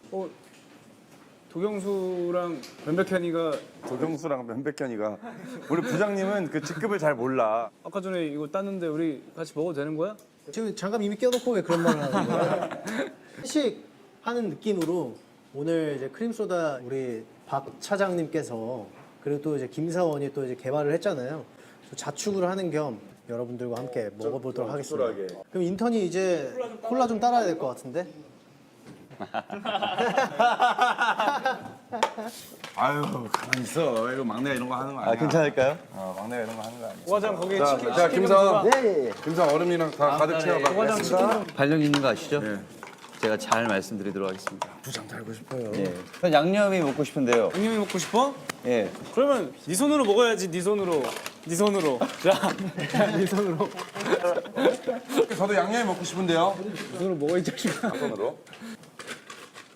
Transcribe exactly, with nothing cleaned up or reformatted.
어, 도경수랑 변백현이가 도경수랑 변백현이가 우리 부장님은 그 직급을 잘 몰라. 아까 전에 이거 땄는데 우리 같이 먹어도 되는 거야? 지금 장갑 이미 껴놓고 왜 그런 말을 하는 거야? 회식하는 느낌으로 오늘 이제 크림소다 우리 박 차장님께서 그리고 또 이제 김사원이 또 이제 개발을 했잖아요. 자축을 하는 겸 여러분들과 함께 먹어보도록 하겠습니다. 쿨하게. 그럼 인턴이 이제 콜라 좀 따라야 될 것 같은데? 아유 가만 있어. 이거 막내가 이런 거 하는 거 아니야. 아, 괜찮을까요? 어, 막내가 이런 거 하는 거 아니야. 오과장 거기에 자, 치킨 자 치킨 김사원. 좀 예, 예. 김사원 얼음이랑 다 가득 채워봐. 오과장 치킨 좀 발령 있는 거 아시죠? 예. 제가 잘 말씀드리도록 하겠습니다. 부장 달고 싶어요. 예. 전 양념이 먹고 싶은데요. 양념이 먹고 싶어? 예. 그러면 네 손으로 먹어야지. 네 손으로. 네 손으로. 자, 네 손으로. 저도 양념이 먹고 싶은데요. 네 손으로 먹어 이 자식아. 손으로.